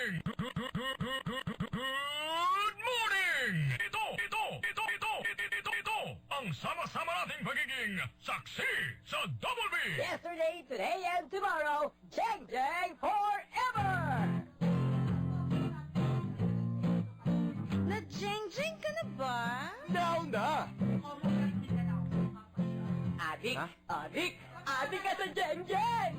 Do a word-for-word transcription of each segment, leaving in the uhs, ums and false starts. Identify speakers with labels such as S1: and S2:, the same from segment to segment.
S1: morning! Good morning! Ito, ito, ito, ito, ito, ito, ito, ang sama-sama nating pagiging saksi sa Double B!
S2: Yesterday, today, and tomorrow, Jeng Jeng forever!
S3: Na-jeng-jeng ka na ba?
S2: Now na! Adik,
S4: Ha?
S2: adik, adik ka sa Jeng Jeng!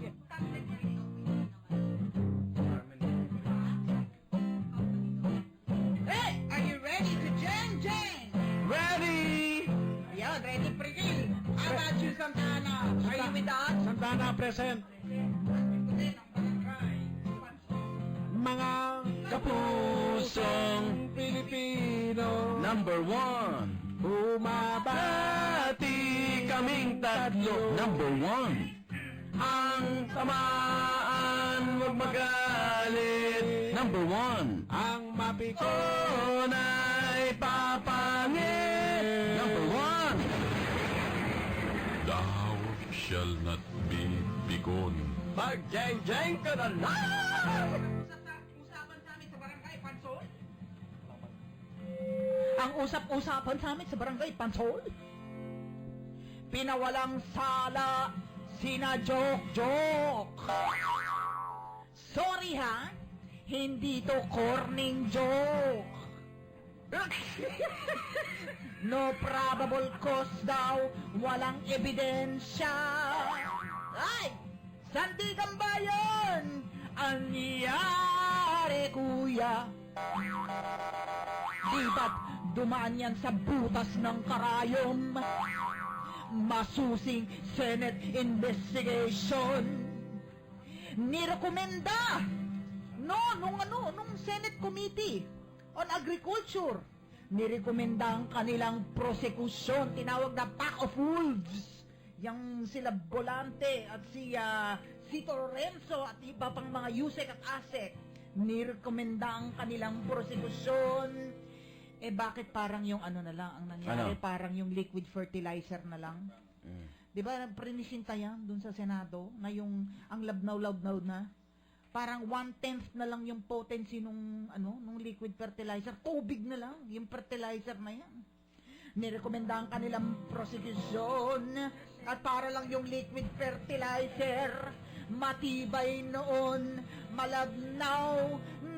S3: Hey! Are you ready to jeng-jeng?
S4: Ready!
S3: Yan, ready, Prigil. How about you, Santana? Are you with us?
S5: Santana present. Mga
S4: Kapusong
S5: Pilipino,
S4: number one.
S5: bumaba
S4: Bati kaming tatlo. Number one. Ang tamaan, huwag magalit. Number one.
S5: ang mapiko.
S4: Oh, na'y papangit. Number one.
S1: Thou shall not be begone.
S2: Mag-Jeng Jeng ka na lang!
S3: Usapan sa amin sa barangay, Pansol?
S2: Ang usap-usapan sa amin sa barangay Pansol, pinawalang sala sina Jok-Jok. Sorry ha, hindi to corning joke. No probable cause daw, walang ebidensya. Ay! Sandigan Bayan! Ang nangyari, kuya? Di ba't dumaan yan sa butas ng karayom? Masusing Senate investigation. Nirekomenda no, nung ano, nung Senate Committee on Agriculture. Nirekomenda ang kanilang prosekusyon, tinawag na pack of wolves. Yang sila Bolante at si uh, Sito Lorenzo at iba pang mga Yusek at Asek. Nirekomenda ang kanilang prosekusyon. Eh bakit parang yung ano na lang ang nangyari?
S4: Ano?
S2: Parang yung liquid fertilizer na lang.
S4: Mm.
S2: Di ba prinisinta yan dun sa Senado na yung ang labnaw-labnaw na? Parang one-tenth na lang yung potency nung, ano, nung liquid fertilizer. Tubig na lang, yung fertilizer na yan. Nirekomenda ang kanilang prosecution at para lang yung liquid fertilizer matibay noon, malabnaw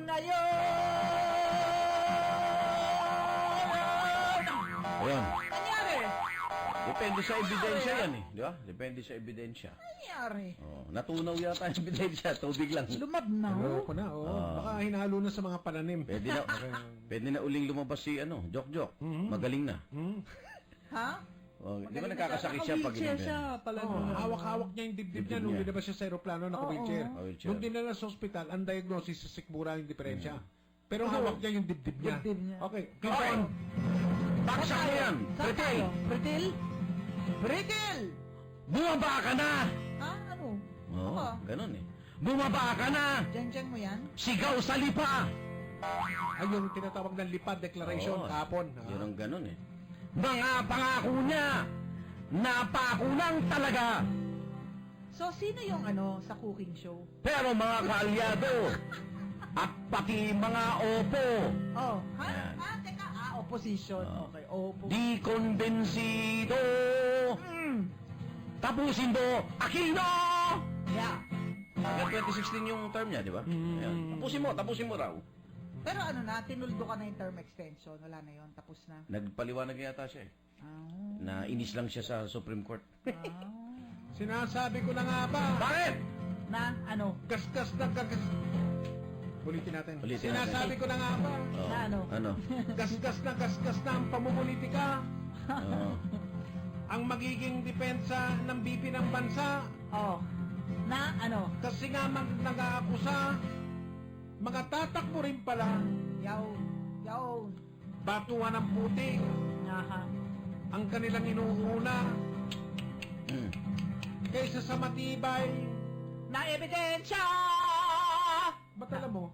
S2: ngayon.
S4: Ayan.
S2: Nangyari?
S4: Depende sa ebidensya yan eh. Di ba? Depende sa ebidensya.
S2: Nangyari?
S4: Oh, natunaw yata ang ebidensya. Tubig lang.
S2: Lumabnaw?
S5: Ano ko na, oh.
S4: Ah.
S5: Baka hinalo na sa mga pananim.
S4: Pwede na, pwede na uling lumabas si ano, Jok-Jok.
S5: Mhm.
S4: Magaling na.
S5: Hmm?
S2: Ha?
S4: Oh, di ba nagkakasakit siya pag
S5: Naka-wheelchair siya
S4: ganyan?
S5: pala. Oh, hawak-hawak niya yung dibdib
S4: Dibdib
S5: niya nung
S4: niya.
S5: dinabas siya sa aeroplano, naka-wheelchair.
S4: oo. Wheelchair.
S5: Nung dinala sa ospital, ang diagnosis sa sikmura yung diferensya. Pero
S2: Oo.
S5: hawak niya yung dibdib niya.
S2: Dibdib niya.
S5: Okay.
S4: Okay. Baksak mo yan!
S2: Saan
S4: Pretil!
S2: tayo? Pretil? Pretil!
S4: Bumaba ka na!
S2: Ha? Ano?
S4: Oo,
S2: Ako?
S4: ganun eh. Bumaba ka na!
S2: Diyan-diyan mo yan?
S4: Sigaw sa lipa!
S5: Ay, yung tinatawag ng lipad declaration
S4: Oo,
S5: kahapon. Ah.
S4: Yun ang ganun eh. Mga pangako niya, napako lang talaga.
S2: So, sino yung ano sa cooking show?
S4: Pero mga kaalyado, at pati mga opo,
S2: Oh, ha?
S4: Yan.
S2: Ah, teka. Ah, opposition.
S4: Oh.
S2: Okay, opo.
S4: di konbensido.
S2: Mm.
S4: Tapusin do, Aquino!
S2: Yeah.
S4: Hanggang twenty sixteen yung term niya, di ba?
S5: Mm.
S4: Ayan. Tapusin mo, tapusin mo raw.
S2: Pero ano na, tinuldo ka na yung term extension. Wala na yon, tapos na.
S4: Nagpaliwanag yata siya eh.
S2: Ah.
S4: Na inis lang siya sa Supreme Court.
S2: Ah.
S5: Sinasabi ko na nga ba?
S4: Bakit?
S2: Na, ano?
S5: Gasgas na gagas... Ulitin natin.
S4: Ulitin natin.
S5: Sinasabi ko na nga ba?
S4: Oh,
S2: Na ano?
S4: Ano?
S5: Gasgas na gasgas na ang pamumulitika.
S4: Oh.
S5: Ang magiging depensa ng B P ng bansa.
S2: Oh. Na, ano?
S5: Kasi nga mag nag-aakusa, mga tatakbo rin pala,
S2: Yaw. Yaw.
S5: batuan ng putik,
S2: Aha.
S5: ang kanilang inuuna,
S4: Mm.
S5: kaysa sa matibay.
S2: Na ebidensya!
S5: Ba't alam mo?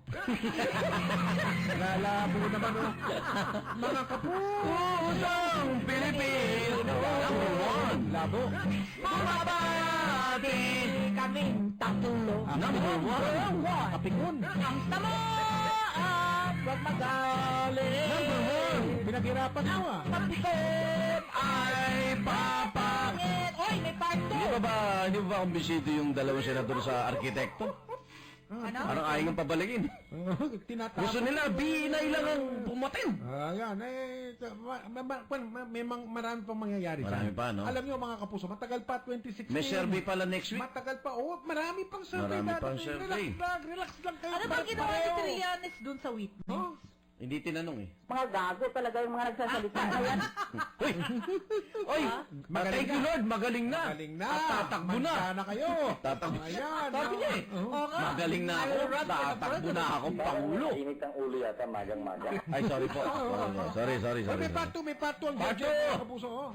S5: Lalabo naman o. Mga kapusong
S4: Pilipino, number one.
S5: Labo.
S4: Bumabati!
S2: Kaming tatlo.
S4: Number one.
S2: Number one.
S5: Kapikon.
S2: Ang tamo! Tandaan, huwag magaling.
S5: Number one! Pinaghirapan mo ah.
S2: Pagpikon
S4: Ay, papa!
S2: pangit. Oy, may part
S4: Hindi
S2: two.
S4: ba ba, hindi ba ba kumbisito yung dalawang senador sa arkitekto?
S2: Ano?
S4: Parang ayaw ng pabalikin.
S5: Tinatapos.
S4: Gusto nila, binay lang ang pumatin.
S5: Ayan, eh, ma- ma- ma- ma- may mang- marami pang mangyayari.
S4: Marami
S5: dyan.
S4: pa, no?
S5: Alam niyo mga kapuso, matagal pa, twenty sixteen.
S4: May survey pala next week.
S5: Matagal pa. Oh, marami pang survey.
S4: Marami
S5: dadating.
S4: pang survey.
S5: Relax lang, relax lang kayo.
S2: Ano ba ginawa ni
S5: Pareho.
S2: Trillanes dun sa witness?
S5: Oh,
S4: Hindi tinanong eh.
S6: Mga gago talaga yung mga nagsasalita. Ayan.
S4: Uy! Uy!
S5: Magaling
S4: Thank you
S5: na.
S4: Lord, magaling na.
S5: Magaling na.
S4: At tatakbo na.
S5: Manda na kayo.
S4: Tatakbo.
S5: Ayan.
S4: Sabi niya eh.
S5: Oh.
S2: Oo nga.
S4: Magaling na ako.
S2: I will run for the
S4: Tatakbo
S2: president.
S4: na akong pangulo.
S6: Init ang ulo yata, magang-magang.
S4: Ay, sorry po. Sorry, sorry,
S5: Ay,
S4: sorry.
S5: may part two, may part two ang
S4: Part
S5: judge,
S4: two.
S5: mga kapuso. Oh.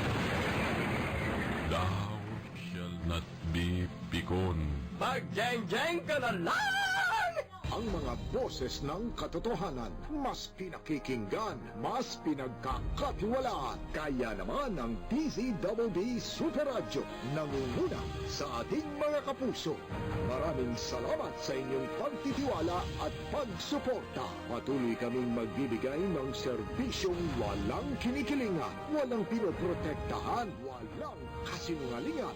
S1: Thou shall not be pikon.
S4: Mag-jeng-jeng ka na lang!
S7: Ang mga boses ng katotohanan, mas pinakikinggan, mas pinagkakatiwalaan. Kaya naman ang D Z D D Super Radio nangunguna sa ating mga kapuso. Maraming salamat sa inyong pagtitiwala at pagsuporta. Patuloy kaming magbibigay ng serbisyong walang kinikilingan, walang pinoprotektahan, walang kasinungalingan.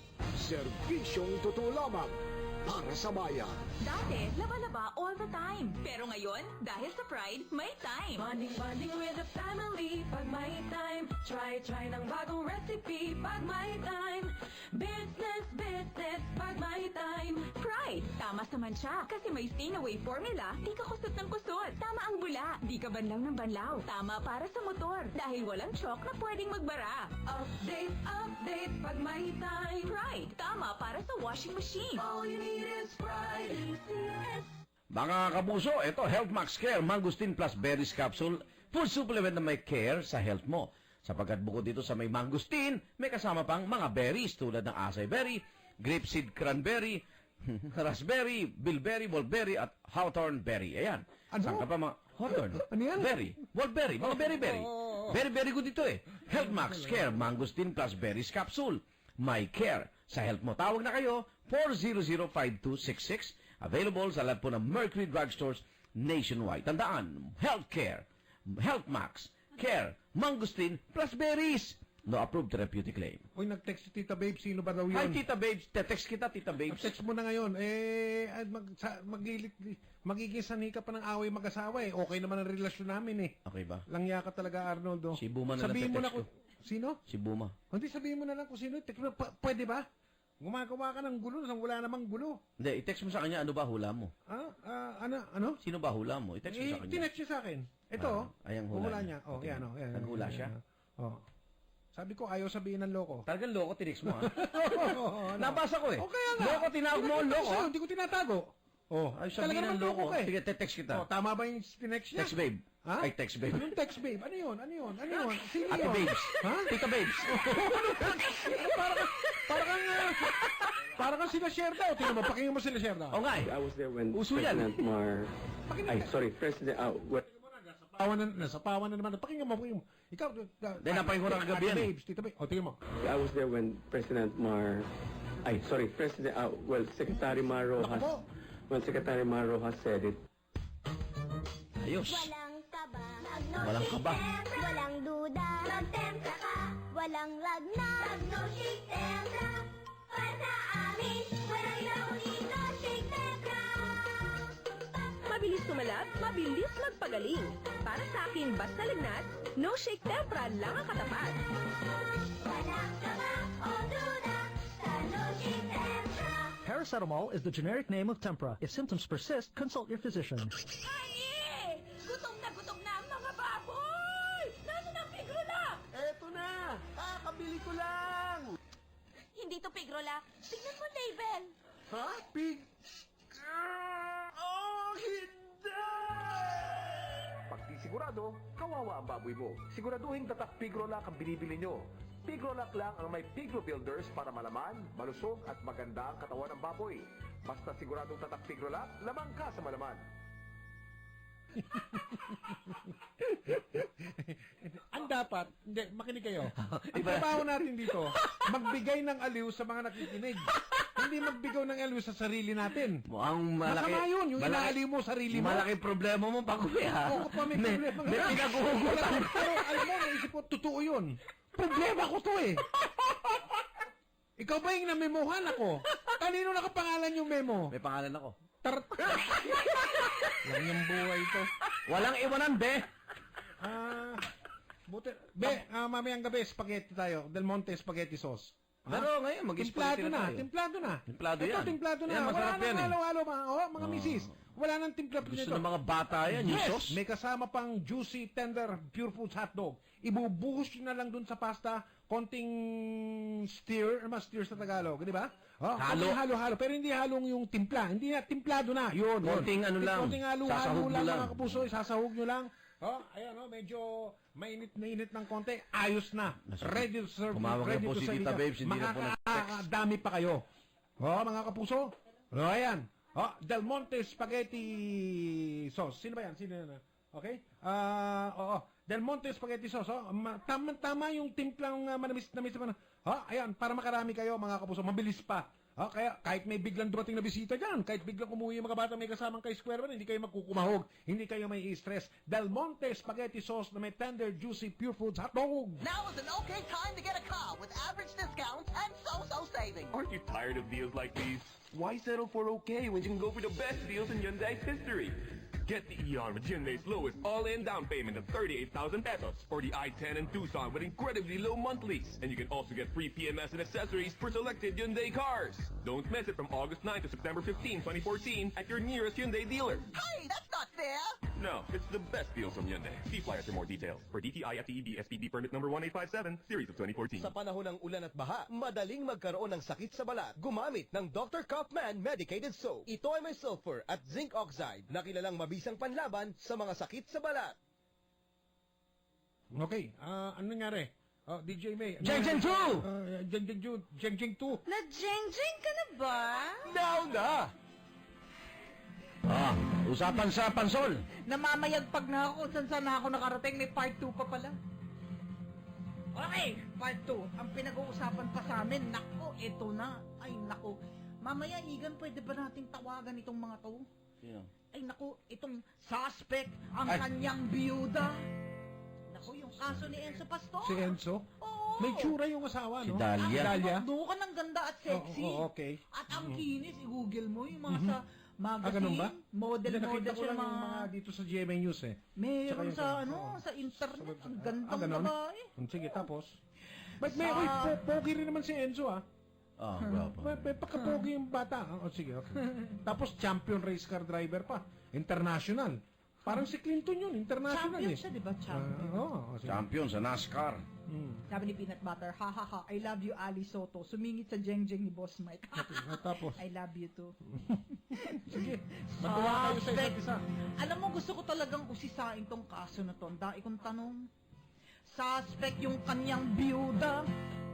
S7: Serbisyong totoo lamang para sa bayan.
S8: Dati, laba-laba all the time. Pero ngayon, dahil sa Pride, may time.
S9: Bonding, bonding with the family, pag may time. Try, try ng bagong recipe, pag may time. Business, business, pag may time.
S8: Pride, tama sa mancha. Kasi may stain-away formula, di ka kusot ng kusot. Tama ang bula, di ka banlaw ng banlaw. Tama para sa motor, dahil walang chalk na pwedeng magbara.
S9: Update, update, pag may time.
S8: Pride, tama para sa washing machine.
S9: All you need is pride. E C S.
S4: Mga kapuso, ito Health Max Care, Mangustin plus Berries Capsule, full supplement na may care sa health mo. Sapagkat bukod dito sa may mangustin, may kasama pang mga berries tulad ng acai berry, grapeseed cranberry, raspberry, bilberry, wolberry at hawthorn berry. Ayan.
S5: Ano?
S4: Saan ka pa mga hawthorn?
S5: Ano yan?
S4: Berry. Wolberry. Mga berry-berry. Very, very good ito eh. Health Max Care, Mangustin plus Berries Capsule. May care sa health mo. Tawag na kayo, four zero zero five two six six. Available sa lahat po ng Mercury Drugstores nationwide. Tandaan, healthcare, Health Max, Care, Mangustin plus Berries. No approved therapeutic claim.
S5: Uy, nag-text si Tita Babe, sino ba daw yun?
S4: Hi, Tita Babes. Te-text kita, Tita Babes.
S5: Text mo na ngayon, eh, ay, mag, sa, maglilit, magiging sanhi ka pa ng away mag-asawa eh. Okay naman ang relasyon namin eh.
S4: Okay ba?
S5: Langya ka talaga, Arnoldo.
S4: Si Buma na lang
S5: Sabihin mo na
S4: te-text
S5: kung, sino?
S4: Si Buma.
S5: Hindi, sabihin mo na lang kung sino. Text mo, pa- pwede ba? Gumagawa ka ng gulo, nang wala namang gulo.
S4: Hindi, i-text mo sa kanya, ano ba hula mo?
S5: Ah, ah, ano, ano?
S4: Sino ba hula mo? I-text mo
S5: Eh,
S4: sa kanya.
S5: tinext niya sa akin. Ito,
S4: Ah,
S5: oh.
S4: ay, ang hula
S5: hula
S4: niya.
S5: niya. Oh,
S4: Okay.
S5: yan, oh. Yan,
S4: Naghula
S5: yan,
S4: siya?
S5: yan. Oh. Sabi ko, ayaw sabihin ng loko.
S4: Talagang loko, tinext mo ha?
S5: Oo, ano?
S4: Nabasa ko eh.
S5: O kaya nga.
S4: Loko, tinawag mo ang loko.
S5: Sa'yo, Hindi ko tinatago. Oh,
S4: Ay,
S5: talaga
S4: sabihin
S5: naman
S4: ng loko.
S5: ka eh.
S4: Sige, te-text kita.
S5: Oh, tama ba yung tinext niya?
S4: Text babe.
S5: Ha?
S4: Ay, text babe.
S5: Yung text babe. Ano yun? Ano yun? Ano yun? Sino
S4: Ate
S5: yun?
S4: babes.
S5: Ha?
S4: Tita babes.
S5: para kang, para kang, uh, para kang sila share daw. Tingnan mo, pakinggan mo sila share daw.
S4: O nga eh.
S10: I was there when
S4: Uso yan.
S10: President Mar... Ay, sorry, President... Uh, what,
S5: Pawan na, nasa pawan na naman. Pakinggan mo, pakinggan mo. Ikaw, uh,
S4: Dahil napakinggan ko na kagabi yan eh.
S5: babes, tita babes. O, tingnan mo.
S10: I was there when President Mar... Ay, sorry, President... Uh, well, Secretary Mar Rojas...
S5: Naku po.
S10: When Secretary Mar Rojas said it,
S4: Ayos.
S11: Walang kaba,
S4: Walang kaba.
S11: walang duda, magtempra ka, walang lagnat, no shake tempra. Para sa amin, walang ilaw dito, shake tempra.
S9: Mabilis tumalab, mabilis magpagaling. Para sa akin, basta lagnat, no shake tempra lang ang katapat.
S11: Walang kaba o duda, sa no shake tempra.
S12: Paracetamol is the generic name of Tempra. If symptoms persist, consult your physician.
S8: Ay! Gutom na gutom na ang mga baboy! Nasaan ang pigrola?
S5: Eto na! Kakabili ko lang!
S8: Hindi to pigrola. Tignan mo label.
S5: Ha? Pig... Oh, hindi!
S13: Pag di sigurado, kawawa ang baboy mo. Siguraduhin tatak Pigrolac ang binibili nyo. Pigrolac lang ang may Piglo Builders para malaman, malusog at maganda ang katawan ng baboy. Basta siguradong tatak Pigrolac, lamang ka sa malaman.
S5: Ang dapat, hindi, makinig kayo. Ang trabaho natin dito, magbigay ng aliw sa mga nakikinig. Hindi magbigay ng aliw sa sarili natin.
S4: Mukhang malaki.
S5: Masama yun, yung
S4: malaki-
S5: inaaliw mo sarili mo.
S4: Malaki problema mo pa, kuya.
S5: Oo pa, may
S4: May-
S5: problema.
S4: may
S5: nga.
S4: pinag-uugutan.
S5: Pero alam mo, naisip ko, totoo yun. Problema ko to eh. Ikaw ba yung namemohan ako? Kanino nakapangalan yung memo?
S4: May pangalan ako.
S5: Tar... Lang yung buhay to.
S4: Walang iwanan, be.
S5: Ah, buti. Be, ah, mamayang gabi, spaghetti tayo. Del Monte spaghetti sauce.
S4: Pero ngayon, mag-spaghetti
S5: Timplado
S4: na
S5: na,
S4: tayo.
S5: timplado na.
S4: Timplado
S5: Ito,
S4: yan.
S5: timplado na.
S4: Yan,
S5: Wala
S4: masarap yan
S5: nang
S4: eh.
S5: halo-halo, mga, oh, mga misis. Wala nang timpla
S4: Gusto
S5: nito.
S4: ng mga bata yan, yung
S5: Yes,
S4: sauce.
S5: may kasama pang juicy, tender, pure foods hotdog. Ibubuhos nyo na lang dun sa pasta, konting steer, ano ba steer sa Tagalog, di ba? Oh,
S4: Halo.
S5: konting halo-halo, pero hindi halong yung timpla. Hindi na, timplado na. Yun, yun.
S4: Konting ano lang,
S5: Konting halo-halo
S4: sasahog mo
S5: lang,
S4: lang.
S5: mga kapuso, isasahog nyo lang. Oh, ayan, oh, medyo mainit na init ng konti. Ayos na. Ready to serve.
S4: Tumawag
S5: ready
S4: na po
S5: to
S4: si
S5: serve
S4: Tita
S5: ka.
S4: Babes, hindi na po nag-text.
S5: Makakadami pa kayo. Oh, mga kapuso. Oh, ayan. Oh, Del Monte spaghetti sauce. Sino ba yan? Sino yan? Okay? Ah, oo. Del Monte spaghetti sauce. Oh, Ma- tama, tama yung timplang uh, manamis-namis naman. Oh, ayan, para makarami kayo mga kapuso. Mabilis pa. Oh, kaya kahit may biglang dumating na bisita dyan, kahit biglang umuwi yung mga bata may kasamang kay Square One, hindi kayo magkukumahog, hindi kayo may i-stress. Del Monte spaghetti sauce na may tender, juicy, pure foods hotdog.
S3: Now is an okay time to get a car with average discounts and so-so savings.
S14: Aren't you tired of deals like these? Why settle for okay when you can go for the best deals in Hyundai's history? Get the Eon with Hyundai's lowest all-in down payment of thirty-eight thousand pesos, or the i ten and Tucson with incredibly low monthlies. And you can also get free P M S and accessories for selected Hyundai cars. Don't miss it from August ninth to September fifteenth, twenty fourteen at your nearest Hyundai dealer.
S3: Hey, that's not fair!
S14: No, it's the best deals from Hyundai. See flyers for more details. For D T I F T E B S P D permit number one eight five seven, series of twenty fourteen.
S15: Sa panahon ng ulan at baha, madaling magkaroon ng sakit sa balat. Gumamit ng Doctor Kaufman Medicated Soap. Ito ay may sulfur at zinc oxide na kilalang mabisang panlaban sa mga sakit sa balat.
S5: Okay, ah, ano nangyari? Oh, D J May. ano
S4: Jeng Jeng
S5: nangyari?
S4: two!
S5: Ah, Jeng Jeng two! Jeng Jeng two!
S8: Na-jeng-jeng ka na ba?
S15: Now na!
S4: Ah, usapan sa pansol.
S2: Namamayagpag na ako kung saan saan na ako nakarating. May part two pa pala. Okay, part two. Ang pinag-uusapan pa sa amin, nako, ito na. Ay, nako. Mamaya, Igan, pwede ba nating tawagan itong mga to?
S4: Yeah.
S2: Ay, nako, itong suspect, ang
S4: Ay.
S2: kanyang biyuda. Nako, yung kaso ni Enzo Pastor.
S5: Si Enzo?
S2: Oo.
S5: May tsura yung asawa,
S4: Si
S5: no?
S4: Dalia.
S2: Ang
S5: Dalia?
S2: ka ng ganda at sexy.
S5: Oo, oo, okay.
S2: At ang
S5: Mhm.
S2: kinis, i-google mo yung mga
S5: Mhm.
S2: sa magazine,
S5: Ah, ganun ba?
S2: model,
S5: Hindi, nakita
S2: model
S5: ko
S2: siya
S5: lang
S2: mga...
S5: yung mga dito sa G M A News eh. Tsaka
S2: Meron
S5: yung-
S2: sa, ano,
S5: oo.
S2: sa internet.
S5: Sa website.
S2: Ang
S5: Ah,
S2: gandang
S5: ganun?
S2: babae.
S5: Sige, tapos? Ba't may,
S2: Sa-
S5: uy, po- pogi rin naman si Enzo, ah.
S4: Ah, bravo.
S5: May, may pagkapogi yung bata. Oh, sige, okay. Tapos champion race car driver pa. International. Parang si Clinton yun, international
S2: Champion
S5: eh.
S2: siya, di ba? Champion.
S5: Ah, oo, sige.
S4: Champion sa NASCAR.
S5: Hmm.
S2: Sabi ni Peanut Butter, ha ha ha, I love you, Ali Soto. Sumingit sa jeng-jeng ni Boss Mike.
S5: Ah, tapos?
S2: I love you too.
S5: Sige, matuwa kayo sa isa't
S2: Suspect.
S5: isa.
S2: Alam mo, gusto ko talagang usisain tong kaso na to. Ang dai kong tanong. Suspect yung kanyang biyuda.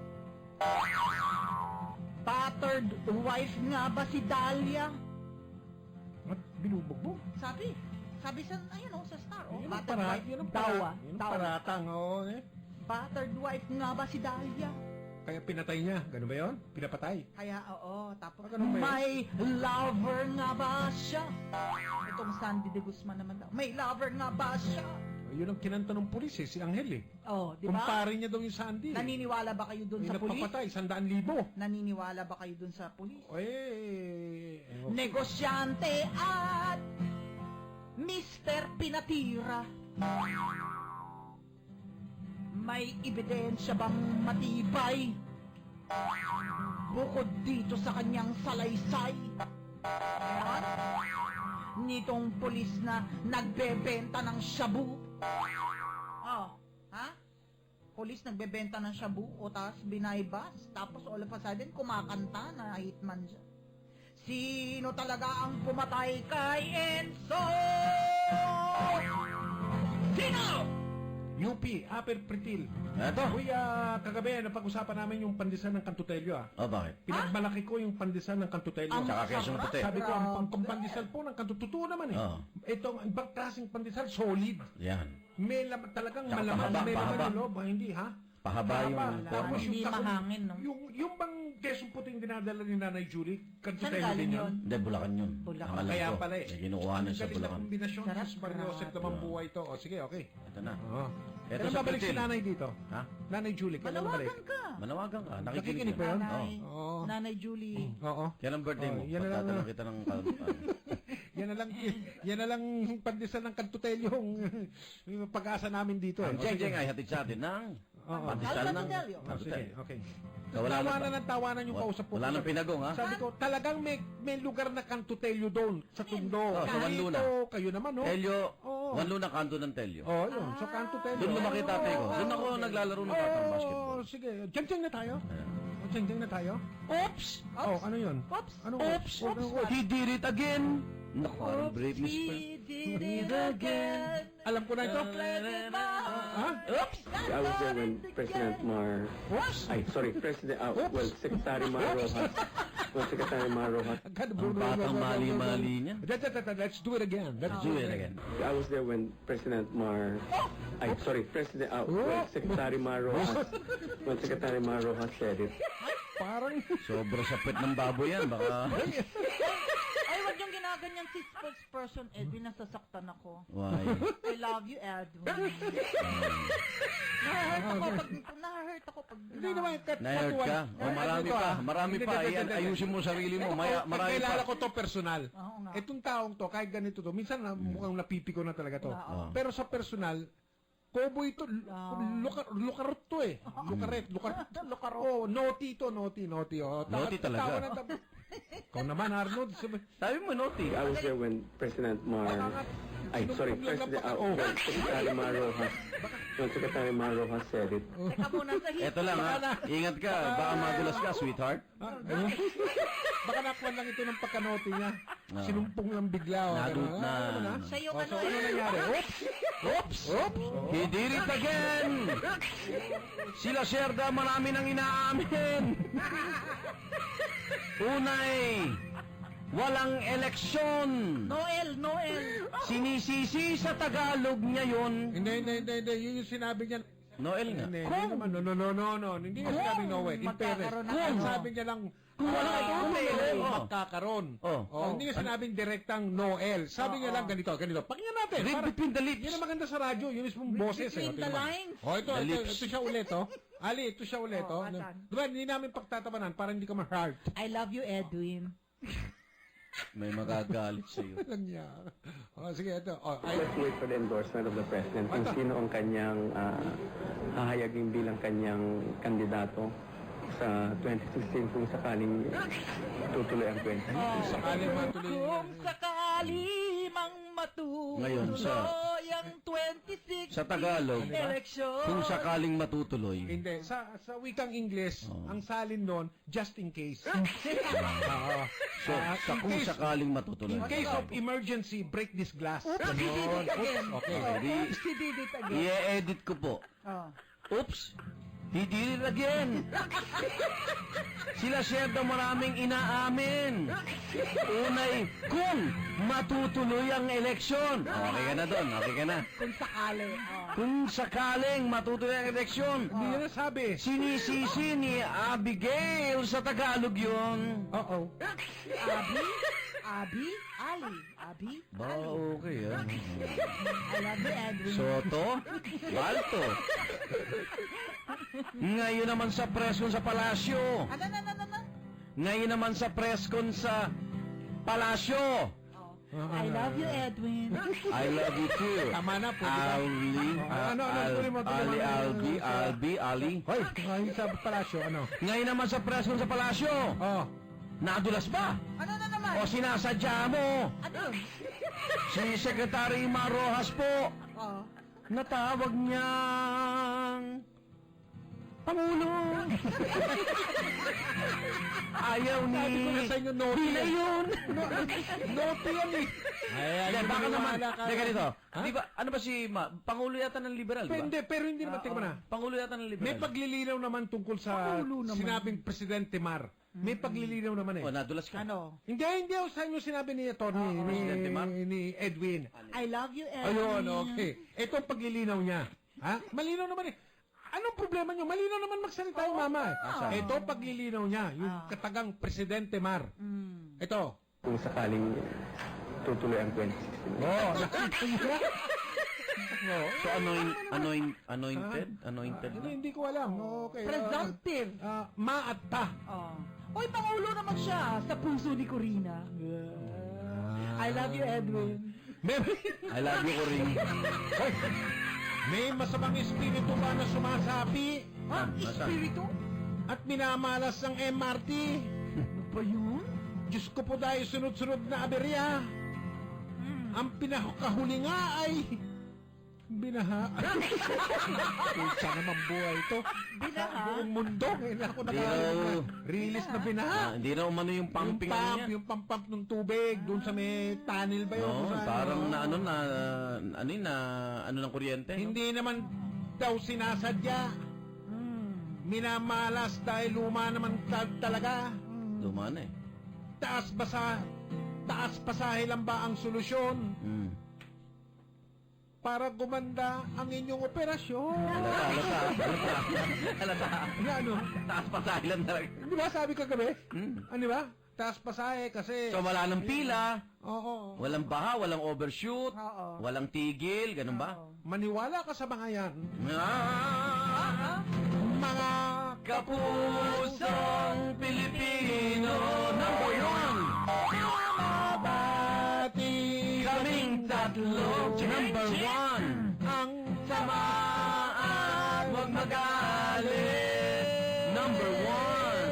S2: Battered wife nga ba si Dalia?
S5: At binubog mo.
S2: Sabi. Sabi sa, ayun oh, sa star. Oh,
S5: Yun ang
S2: battered
S5: para-
S2: wife.
S5: yun ang
S2: Daw,
S5: para-
S2: ah.
S5: yun ang
S2: Daw.
S5: paratang, oo, eh.
S2: Battered wife nga ba si Dalia?
S5: Kaya pinatay niya. Ganun ba yun? Pinapatay.
S2: Kaya, oo, tapos
S5: Ah, ganun ba yun?
S2: may lover nga ba siya? Itong Sandy de Guzman naman daw. May lover nga ba siya?
S5: Yun ang kinanta ng pulis eh, si Angel eh.
S2: Oh, di ba?
S5: Kumpare niya daw yung Sandy. eh.
S2: Naniniwala ba kayo dun
S5: May
S2: sa pulis?
S5: nagpapatay, sandaan libo.
S2: Naniniwala ba kayo dun sa pulis?
S5: Eh, eh, okay.
S2: Negosyante at Mister Pinatira. May ebidensya bang matibay? Bukod dito sa kanyang salaysay. Ayan. Nitong pulis na nagbebenta ng shabu. Oh, ha? Pulis nagbebenta ng shabu o tapos binaybas. Tapos all of a sudden kumakanta na hitman siya. Sino talaga ang pumatay kay Enzo? Sino?
S5: U P, Upper Pritil.
S4: Eto.
S5: Uy, ah, kagabi, napag-usapan namin yung pandesal ng Kantutelyo, ah.
S4: Oh, bakit?
S5: Pinagmalaki ko yung pandesal ng Kantutelyo.
S4: Ang Tsaka Quezon
S5: sarap.
S4: Puti.
S5: Sabi ko, ang, ang, ang pandesal po ng Kantutelyo, totoo naman eh.
S4: Oo.
S5: Ito, ang ibang klaseng pandesal, solid.
S4: Yan.
S5: May lam- talagang
S4: Tsaka
S5: malaman,
S4: pahaba,
S5: may laman
S4: pahaba.
S5: yung loob, ah, hindi ha?
S4: Pahaba yung
S5: Pahaba.
S4: forma.
S5: Tapos yung
S2: Hindi
S5: takong-
S2: mahangin, no?
S5: Yung, yung bang Quezon Puting dinadala ni Nanay Julie, Kantutelyo
S2: Saan
S5: din
S2: galing
S5: yun?
S2: yun?
S4: Hindi, Bulacan yun.
S2: Bulacan.
S4: Ang alam
S5: Kaya
S4: ko,
S5: pala eh.
S4: may kinukuha na
S5: Ang
S4: sa
S5: galing na
S4: Bulacan.
S5: kombinasyon,
S2: Sarap,
S5: Diyos Mario Joseph
S2: grabe.
S5: naman buhay to. O sige, okay.
S4: Ito na.
S5: Oo.
S4: Ito
S5: Kailan
S4: sa
S5: babalik si
S4: Pritil.
S5: Nanay dito?
S4: Ha?
S5: Nanay Julie, kailan babalik?
S2: Manawagan ka.
S4: Manawagan ka. Nakikinig
S5: Nakikinig
S4: ka.
S5: ba yun?
S2: Nanay,
S5: Oo.
S2: Nanay Julie.
S5: Oo.
S4: Kailan birthday mo?
S5: Oh, yan na lang,
S4: Pagtatanong
S5: ah.
S4: kita ng... kal-
S5: Yan na lang, yan na lang pandesal ng Kantutelyo yung, yung pag-asa namin dito.
S4: Ang
S5: Eh. O, sige.
S4: Jeng-Jeng ay hatid sa atin ng
S5: Oo.
S4: pandesal ng...
S2: Kantutelyo.
S5: Oh, sige, okay.
S4: Wala na-
S5: Tawanan ng tawanan yung
S4: Wa-
S5: kausap ko.
S4: wala nang pinagong, ha?
S5: Sabi ko, talagang may, may lugar na Kantutelyo doon, sa Tundo.
S4: Oh, sa Wanluna.
S5: Dito, kayo naman, no?
S4: Telyo,
S5: Oo.
S4: Wanluna kanto ng Telyo.
S5: Oh, yun. So, Kantutelyo.
S4: Doon lumaki tatay ko. Doon ako naglalaro ng batang basketball.
S5: Oh, sige. Jeng-jeng na tayo. Oh, jeng-jeng na tayo.
S2: Oops!
S5: Oh, ano yun?
S2: Oops!
S5: Ano?
S2: Oops!
S5: Oh, ano,
S2: Oops!
S5: oh.
S4: He did it again! Naku, parang Britney Spears.
S2: He did it again.
S5: Alam ko na ito.
S2: Ha?
S5: Oops!
S10: I was there when President Mar...
S5: Oops!
S10: Ay, sorry, President... Uh, well, Secretary Mar Rojas... Well, Secretary Mar Rojas...
S4: Ang batang mali-mali niya.
S5: That- that- that- Let's do it again. Let's
S4: Do it again.
S10: I was there when President Mar... Ay, sorry, President... Uh, well, Secretary Mar Rojas... Well, Secretary Mar Rojas said it.
S5: Parang...
S4: Sobra sapit ng baboy yan. Baka...
S2: Ay, wag yung ginaganyan si spokesperson Edwin, nasasaktan ako.
S4: Why?
S2: I love you, Edwin. Nahahurt ako pag, nahahurt ako pag,
S5: Hindi naman. kat-
S4: Na-hurt ka?
S5: katuwan.
S4: O, marami
S5: Ito,
S4: pa.
S5: ah.
S4: Marami
S5: Hindi,
S4: pa.
S5: hindi,
S4: Ayan,
S5: hindi, hindi.
S4: ayusin mo sarili mo. Maya,
S5: Ito,
S4: marami
S5: Kilala
S4: pa.
S5: ko to personal.
S2: Oo nga.
S5: Itong taong to, kahit ganito to, minsan na, mukhang napipiko na talaga to.
S2: Oo.
S5: Pero sa personal, Koboy to, luka, lukarot to eh. Lukaret, lukarot.
S2: Lukarot.
S5: Oh, naughty to, naughty, naughty. Oh, Ta-
S4: Naughty talaga.
S5: tawa ng tab- Ikaw naman, Arnold. Sabi,
S4: Sabi mo, Noti.
S10: I was there when President Mar... Ay, sorry, President... Uh, well, Secretary Mar Rojas... Well, Secretary Mar Rojas said it.
S2: Teka muna sa hit.
S4: Eto lang, ha? Ingat ka. Baka madulas ka, sweetheart.
S5: ah, ano? Baka nakuha lang ito ng pagkanoti niya.
S4: Oo.
S5: Sinumpong lang bigla. Oh,
S4: Nadut
S5: ganun.
S4: na.
S5: Ah, ano na?
S2: Siya yung
S5: Oh, so
S2: ano
S5: ano
S2: eh.
S5: nangyari? Oops!
S4: Oops! Oops! He did it again! Sila Sherda, marami nang inaamin. Unay, walang eleksyon.
S2: Noel, Noel.
S4: Sinisisi sa Tagalog niya yun.
S5: Hindi, hindi, hindi, hindi. Yun yung sinabi niya.
S4: Noel nga.
S5: Hindi, hindi naman. No, no, no, no, no. Hindi niya sinabing no way. In fairness.
S2: magkakaroon ng
S5: Kung
S2: ano.
S5: sabi niya lang,
S4: Kung wala
S5: ah,
S4: kung
S5: may
S4: Noel.
S5: Noel,
S4: Oh.
S5: magkakaroon.
S4: Oh.
S5: Oh, hindi niya sinabing direktang Noel. Sabi niya lang ganito, ganito. Pakinggan natin.
S4: Read
S5: Para-
S4: between the lips.
S5: Yan ang maganda sa radyo. Yun mismong boses. eh.
S2: between
S5: O,
S2: the
S5: tingnan mo.
S2: lines.
S5: Oh, ito,
S4: The
S5: ito,
S4: lips.
S5: ito siya ulit, oh. Ali, ito siya ulit,
S2: Oh,
S5: oh.
S2: asan?
S5: Diba, hindi namin pagtatabanan para hindi ka ma-hurt.
S2: I love you, Edwin.
S4: May magagalit sa'yo.
S5: Lang niya. Oh, sige, ito. Oh, ay,
S10: Let's wait for the endorsement of the President kung sino ang kanyang ah, hahayagin bilang kanyang kandidato sa twenty sixteen kung sakaling tutuloy ang twenty sixteen.
S5: sakali matuloy.
S2: Kung sakali mang matuloy
S4: Ngayon, sa-
S2: ang twenty-six
S4: Sa Tagalog,
S2: election.
S4: kung sakaling matutuloy.
S5: Hindi. Sa sa wikang English,
S4: Oh.
S5: ang salin doon, just in case. Oo.
S4: So,
S5: Ah,
S4: sa
S5: in
S4: kung
S5: case-
S4: sakaling matutuloy.
S5: In case of emergency, break this glass.
S2: Oops, he did it again.
S5: Okay.
S2: Oh,
S4: Di-
S2: oops, he did it again.
S4: I-edit ko po.
S2: Oh.
S4: Oops! He did it again! Sila Sherda maraming inaamin. Unay, kung matutuloy ang eleksyon. Okay ka na doon, okay ka na.
S2: Kung sakali. Oh.
S4: Kung sakaling matutuloy ang eleksyon.
S5: Hindi niya nasabi.
S4: Sinisisi ni Abigail sa Tagalog yun.
S5: Uh-oh.
S2: Abi? Abi? Ali? Abi?
S4: Ba, okay ah.
S2: I love you, Edwin.
S4: Soto? Balto? Ngayon naman sa preskon sa palasyo.
S2: Ano, ano, ano, ano?
S4: Ngayon naman sa preskon sa palasyo.
S2: I love you, Edwin.
S4: I love you too.
S5: Tama na, pwede ba?
S4: Ali,
S5: Ano, ano,
S4: Al-
S5: tuloy mo, tuloy mo.
S4: Ali, Albi, Albi, Ali.
S5: Hoy, ngayon sa palasyo, ano?
S4: Ngayon naman sa preskon sa palasyo.
S5: Oh.
S4: Nadulas ba?
S2: Ano na naman?
S4: O sinasadya mo?
S2: Ano?
S4: Si Secretary Mar Rojas po.
S2: Oh.
S4: Natawag niyang
S2: Pangulo!
S4: Ayaw ni...
S5: Sabi ko na sa inyo, naughty
S4: Di na
S5: yan.
S4: yun.
S5: Naughty yan eh.
S4: Hindi, baka naman. Hindi, ganito. Di ba, ano ba si Ma? Pangulo yata ng liberal, di ba?
S5: Hindi, pero hindi naman, tingnan mo na.
S4: Pangulo yata ng liberal.
S5: May paglilinaw naman tungkol sa
S2: Pangulo naman.
S5: sinabing Presidente Mar. May paglilinaw naman eh.
S4: O, nadulas ka.
S2: Ano?
S5: Hindi, hindi ako sa inyo sinabi ni Tony, ni,
S4: Presidente Mar?
S5: ni Edwin.
S2: I love you, Edwin.
S5: Ayun, okay. Ito ang paglilinaw niya. Ha? Malinaw naman eh. Anong problema nyo? Malinaw naman magsalita yung mama eh.
S4: Ah,
S5: Ito ang paglilinaw niya, yung katagang Presidente Mar. Ito.
S10: Kung sakaling tutuloy ang twenty sixteen.
S5: Oh, nakita niyo? Oh.
S4: So, anoint, anoint, anointed? Anointed
S5: Hindi,
S4: na?
S5: hindi ko alam. Okay. ah,
S2: Presumptive.
S5: ah, ma at ta.
S2: Oh. Uy, Pangulo naman siya sa puso ni Corina. I love you, Edwin.
S5: May,
S4: I love you, Corinne.
S5: Hoy, may masamang espiritu ba na sumasapi
S2: Ha?
S4: Nasaan?
S2: Espiritu?
S5: at minamalas ng M R T?
S2: Ano ba yun?
S5: Diyos ko po dahil sunod-sunod na aberya. Ang pinakahuli nga ay binaha. Kutsa naman buhay ito.
S2: Binaha?
S5: Sa buong mundo. Ngayon ako
S4: Hindi
S5: naka
S4: raw.
S5: release na binaha.
S4: Ah, hindi na umano yung
S5: Yung
S4: pumping ano
S5: pump,
S4: niya.
S5: yung pump-pump ng tubig, doon sa may tunnel ba yun?
S4: No,
S5: Kung saan,
S4: parang
S5: no?
S4: na ano na ano yun, na ano ng kuryente. no?
S5: Hindi naman daw sinasadya. Minamalas dahil luma naman ta- talaga.
S4: Luma na eh.
S5: Taas basa, taas pasahe lang ba ang solusyon
S4: Mm.
S5: para gumanda ang inyong operasyon?
S4: Halata, halata, halata. Halata.
S5: Ano, ano?
S4: Taas pa sa ilan talaga.
S5: Di ba sabi ko kagabi?
S4: Hmm.
S5: Ano ba? Taas pasahe kasi...
S4: So wala nang pila,
S5: Oo.
S4: walang baha, walang overshoot,
S2: Oo.
S4: walang tigil, ganun ba?
S5: Maniwala ka sa mga yan.
S4: Ah,
S5: Mga
S4: kapusong Pilipino, number one!
S5: mabati
S4: Kaming tatlo, number one!
S5: ang
S4: Samaan, huwag magalit, number one!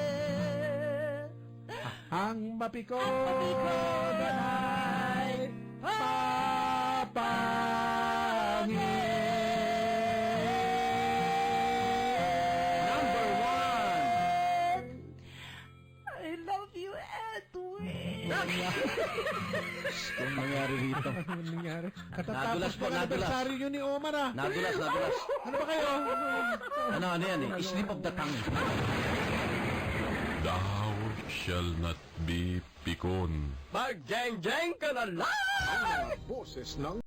S5: ang mapikon ay papangin.
S4: Number one!
S2: I love you, Edwin.
S4: Kung nangyari rito.
S5: Ano nangyari? Katatapos
S4: Nadulas po,
S5: ng
S4: nadulas.
S5: anibersaryo nyo ni Omar ah.
S4: Nadulas, nadulas.
S5: Ano ba kayo?
S4: Ano, ano yan eh? Slip of the tongue.
S1: Thou shall not be pikon.
S15: Mag-jeng-jeng ka na lang!
S7: Boses ng